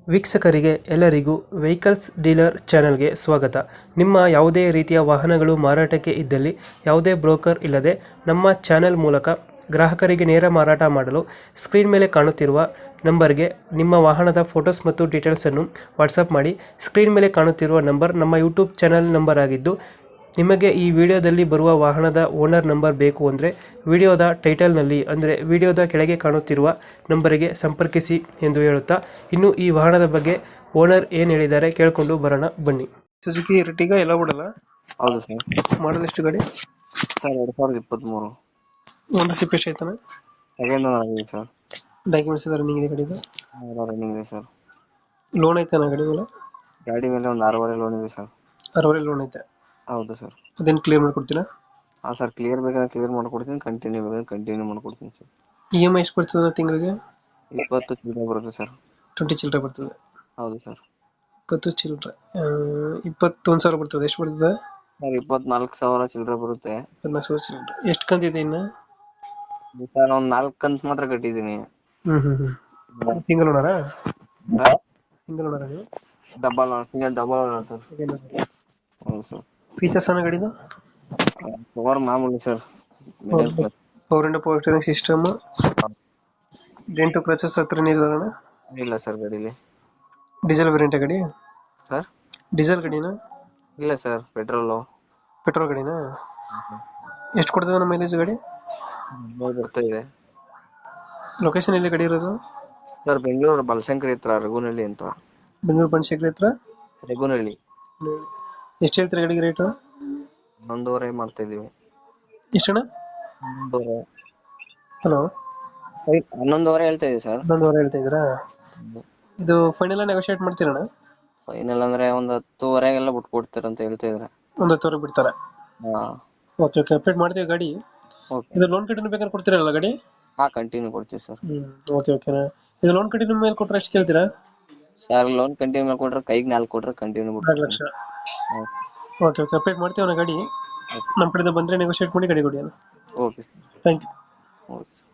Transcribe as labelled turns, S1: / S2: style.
S1: ವೀಕ್ಷಕರಿಗೆ ಎಲ್ಲರಿಗೂ vehicles dealer ಚಾನೆಲ್ಗೆ ಸ್ವಾಗತ. ನಿಮ್ಮ ಯಾವುದೇ ರೀತಿಯ ವಾಹನಗಳು ಮಾರಾಟಕ್ಕೆ ಇದ್ದಲ್ಲಿ ಯಾವುದೇ ಬ್ರೋಕರ್ ಇಲ್ಲದೆ ನಮ್ಮ ಚಾನೆಲ್ ಮೂಲಕ ಗ್ರಾಹಕರಿಗೆ ನೇರ ಮಾರಾಟ ಮಾಡಲು ಸ್ಕ್ರೀನ್ ಮೇಲೆ ಕಾಣುತ್ತಿರುವ ನಂಬರ್ಗೆ ನಿಮ್ಮ ವಾಹನದ ಫೋಟೋಸ್ ಮತ್ತು ಡೀಟೇಲ್ಸನ್ನು ವಾಟ್ಸಪ್ ಮಾಡಿ. ಸ್ಕ್ರೀನ್ ಮೇಲೆ ಕಾಣುತ್ತಿರುವ ನಂಬರ್ ನಮ್ಮ ಯೂಟ್ಯೂಬ್ ಚಾನೆಲ್ ನಂಬರ್ ಆಗಿದ್ದು, ನಿಮಗೆ ಈ ವಿಡಿಯೋದಲ್ಲಿ ಬರುವ ವಾಹನದ ಓನರ್ ನಂಬರ್ ಬೇಕು ಅಂದರೆ ವಿಡಿಯೋದ ಟೈಟಲ್ನಲ್ಲಿ ಅಂದರೆ ವಿಡಿಯೋದ ಕೆಳಗೆ ಕಾಣುತ್ತಿರುವ ನಂಬರಿಗೆ ಸಂಪರ್ಕಿಸಿ ಎಂದು ಹೇಳುತ್ತಾ, ಇನ್ನು ಈ ವಾಹನದ ಬಗ್ಗೆ ಓನರ್ ಏನು ಹೇಳಿದ್ದಾರೆ ಕೇಳಿಕೊಂಡು ಬರೋಣ ಬನ್ನಿ. ಸುಜುಕಿ ಎರ್ಟಿಗಾ ಎಲ್ಲ ಬಿಡಲ್ಲ.
S2: ಹೌದು ಸರ್.
S1: ಮಾಡಲ್ ಎಷ್ಟು ಗಾಡಿ?
S2: ಸರ್ 2023
S1: ಓನರ್ಶಿಪ್ ಎಷ್ಟು ಆಯ್ತಾನೆ?
S2: ಸೆಕೆಂಡ್ ಓನರ್ ಆಗಿದೆ ಸರ್.
S1: ಡಾಕ್ಯುಮೆಂಟ್ಸ್ ಇದೆ ರನ್ನಿಂಗ್ ಇದೆ ಗಾಡಿದು?
S2: ರನ್ನಿಂಗ್ ಇದೆ ಸರ್.
S1: ಲೋನ್ ಐತಾನ ಗಾಡಿ ಮೇಲೆ?
S2: ಗಾಡಿ ಮೇಲೆ ಒಂದು 6.5 ಲೋನ್ ಇದೆ ಸರ್.
S1: 60 ಲೋನ್ ಐತೆ?
S2: ಹೌದು ಸರ್.
S1: ಅದೇನು ಕ್ಲಿಯರ್ ಮಾಡ್ಕೊಡ್ತೀರಾ?
S2: ಹಾಂ ಸರ್, ಕ್ಲಿಯರ್ ಬೇಕಾದ್ರೆ ಕ್ಲಿಯರ್ ಮಾಡ್ಕೊಡ್ತೀನಿ, ಕಂಟಿನ್ಯೂ ಬೇಕಾದ್ರೆ ಕಂಟಿನ್ಯೂ ಮಾಡ್ಕೊಡ್ತೀನಿ ಸರ್.
S1: ಇ ಎಮ್ ಐ ಎಷ್ಟು ಬರ್ತದೆ ತಿಂಗಳಿಗೆ?
S2: 20 ಚಿಲ್ಲರೆ ಬರುತ್ತೆ ಸರ್.
S1: 20 ಚಿಲ್ಲರೆ ಬರ್ತದೆ?
S2: ಹೌದು ಸರ್.
S1: 20 ಚಿಲ್ಲರೆ 21,000 ಬರ್ತದೆ. ಎಷ್ಟು ಬರ್ತದೆ
S2: ಸರ್ 24,000 ಚಿಲ್ಲರೆ ಬರುತ್ತೆ.
S1: 14,000 ಚಿಲ್ಲರೆ. ಎಷ್ಟು ಕಂತಿದೆ ಇನ್ನು?
S2: ಸರ್ ಒಂದು 4 ಕಂತು ಮಾತ್ರ ಕಟ್ಟಿದ್ದೀನಿ.
S1: ಸಿಂಗಲ್ ಓನರಾ? ಸಿಂಗಲ್ ಓನರಾ ನೀವು?
S2: Double owner sir. ಹೌದು ಸರ್.
S1: ಫೀಚರ್ಸ್ ಅನ್ನೋ ಗಾಡಿದು?
S2: ಪವರ್ ಮಾಮೂಲಿ ಸರ್, ಮಿಡಲ್ ಕ್ಲಾಸ್.
S1: ಪವರ್ ಇಂಡ power steering system, dent scratches ಹತ್ರ ನೀರಿದಾರಣ?
S2: ಇಲ್ಲ ಸರ್ ಗಾಡೀಲಿ.
S1: ಡೀಸೆಲ್ ವೇರಿಯಂಟ್ ಗಾಡಿ?
S2: ಸರ್
S1: ಡೀಸೆಲ್ ಗಾಡಿನಾ?
S2: ಇಲ್ಲ ಸರ್, ಪೆಟ್ರೋಲು.
S1: ಪೆಟ್ರೋಲ್ ಗಾಡಿನಾ? ಎಷ್ಟು ಕೊಡ್ತದೆ ನಮ್ಮ ಮೈಲೇಜ್ ಗಾಡಿ?
S2: ಬರ್ತಾ ಇದೆ.
S1: ಲೊಕೇಶನ್ ಎಲ್ಲಿ ಗಾಡಿ ಇರೋದು?
S2: ಸರ್ ಬೆಂಗಳೂರು ಬಲಶಂಕರಿ ಹತ್ರ ರಘುನಹಳ್ಳಿ ಅಂತ.
S1: ಬೆಂಗಳೂರು ಬನಶಂಕರಿ ಹತ್ರ
S2: ರಘುನಹಳ್ಳಿ.
S1: ಎಷ್ಟು ಹೇಳ್ತೀರಾ ಗಾಡಿಗೆ ರೇಟು?
S2: 11.5 ಮಾಡ್ತಾ ಇದೀವಿ.
S1: ಎಷ್ಟಣ್ಣ?
S2: 11.5.
S1: ಹಲೋ,
S2: 11.5 ಹೇಳ್ತಾ ಇದೀವಿ ಸರ್.
S1: 11,000 ಹೇಳ್ತಾ ಇದ್ದೀರಾ? ಇದು ಫೈನಲ್ ನೆಗೋಷಿಯೇಟ್ ಮಾಡ್ತೀರಣ್ಣ?
S2: ಫೈನಲ್ ಅಂದ್ರೆ ಒಂದು 10.5 ಬಿಟ್ಟು ಕೊಡ್ತೀರಂತ ಹೇಳ್ತಾ ಇದಾರೆ.
S1: ಒಂದು 10,000 ಬಿಡ್ತಾರೆ?
S2: ಹಾ
S1: ಓಕೆ ಓಕೆ, ಅಪ್ಡೇಟ್ ಮಾಡ್ತೀವಿ ಗಾಡಿ.
S2: ಓಕೆ.
S1: ಇದು ಲೋನ್ ಕಂಟಿನ್ಯೂ ಬೇಕಾದ್ರೆ ಕೊಡ್ತೀರಲ್ಲ ಗಾಡಿ?
S2: ಹಾ, ಕಂಟಿನ್ಯೂ ಕೊಡ್ತೀವಿ ಸರ್.
S1: ಓಕೆ ಓಕೆನಾ. ಇದು ಲೋನ್ ಕಂಟಿನ್ಯೂ ಮೇಲೆ ಕೊಟ್ಟರೆ ಎಷ್ಟು ಕೇಳ್ತೀರಾ?
S2: ಸರ್ ಲೋನ್ ಕಂಟಿನ್ಯೂ ಮಾಡಿ ಕೊಟ್ರೆ ಕೈಗೆ 4 ಕೊಟ್ರೆ continue
S1: 4 lakh? Okay okay, update ಮಾಡ್ತೀವಿ ಅಣ್ಣ ಗಾಡಿ. ನಮ್ಮ ಕಡೆಯಿಂದ ಬಂದರೆ ನೆಗೋಷಿಯೇಟ್ ಮಾಡಿ ಗಾಡಿ ಕೊಡಿ ಅಣ್ಣ.
S2: Okay sir.
S1: Thank you.
S2: Okay sir.